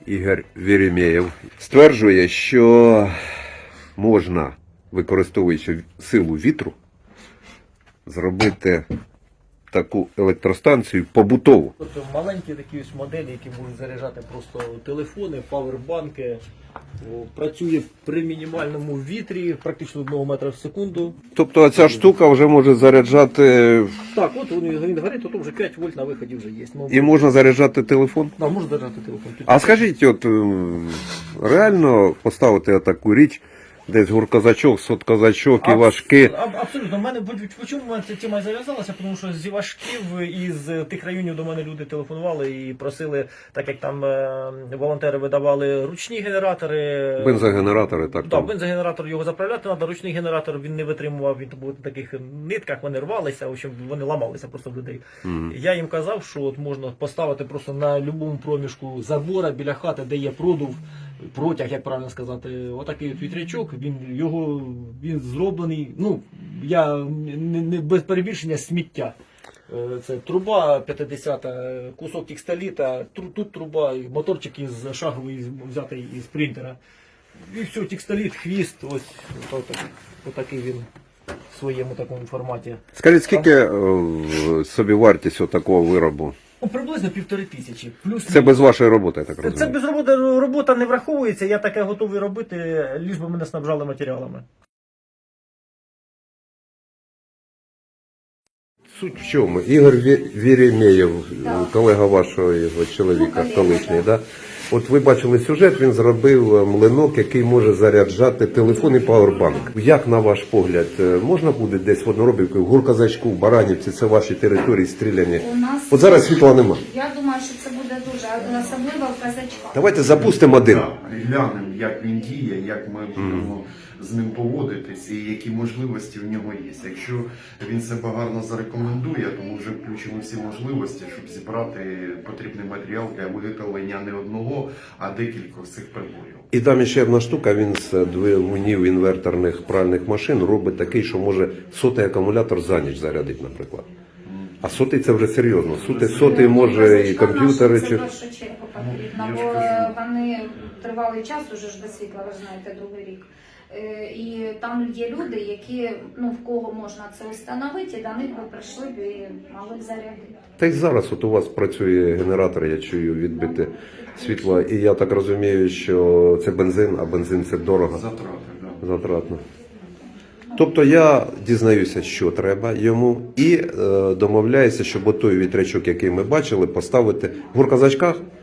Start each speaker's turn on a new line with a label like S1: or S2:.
S1: Ігор Веремєєв стверджує, що можна, використовуючи силу вітру, зробити таку електростанцію побутову.
S2: Тобто маленькі такі ось моделі, які можуть заряджати просто телефони, павербанки. Працює при мінімальному вітрі, практично 1 метра в секунду.
S1: Тобто ця штука вже може заряджати...
S2: Так, от він горить, то вже 5 вольт на виході вже є.
S1: І можна заряджати телефон?
S2: Так, можна заряджати телефон.
S1: А скажіть, от реально поставити таку річ, десь гуркозачок, соткозачок і важки?
S2: Абсолютно. У мене чому ця тема зав'язалася? Тому що зі важків із тих районів до мене люди телефонували і просили, так як там волонтери видавали ручні генератори.
S1: Бензогенератори, так?
S2: Так, бензогенератор його заправляти треба, ручний генератор він не витримував, він був на таких нитках, вони рвалися, в общем, вони ламалися просто в людей. Я їм казав, що от можна поставити просто на будь-якому проміжку забора біля хати, де є продув, протяг, як правильно сказати, отакий от вітрячок, він зроблений, ну, я не без перебільшення, сміття. Це труба 50, кусок текстоліта, тут труба, моторчик із шаговий взятий із принтера. І все, текстоліт, хвіст, ось отакий він в своєму такому форматі.
S1: Скажіть, скільки собівартість такого виробу?
S2: Ну, приблизно 1500. Плюс
S1: це без вашої роботи, я так розумію?
S2: Це без роботи, робота не враховується, я таке готовий робити, ліж би мене снабжали матеріалами.
S1: Суть в чому? Ігор Веремєєв, колега вашого чоловіка, колишній, да? От ви бачили сюжет, він зробив млинок, який може заряджати телефон і павербанк. Як, на ваш погляд, можна буде десь в Одноробівці, в Гуркозачку, в Баранівці, це ваші території стріляні? От зараз світла нема.
S3: Я думаю, що це буде дуже, особливо в Казачках.
S1: Давайте запустимо один.
S4: Глянемо, як він діє, як ми будемо з ним поводитись і які можливості в нього є. Якщо він себе гарно зарекомендує, то ми вже включимо всі можливості, щоб зібрати потрібний матеріал для виготовлення не одного, а декількох цих приборів.
S1: І там ще одна штука, він з двигунів інверторних пральних машин робить такий, що може сотий акумулятор за ніч зарядити, наприклад. А сотий це вже серйозно. Сотий може і комп'ютери.
S3: Це в першу чергу потрібно, бо вони тривалий час уже ж без світла, ви знаєте, другий рік. І там є люди, які, ну, в кого можна це встановити, і до них би прийшли б і могли б зарядити.
S1: Та й зараз от у вас працює генератор, я чую, відбите світло. І я так розумію, що це бензин, а бензин це дорого.
S4: Затрати, так.
S1: Затратно. Тобто я дізнаюся, що треба йому, і домовляюся, щоб той вітрячок, який ми бачили, поставити в Гуркозачках.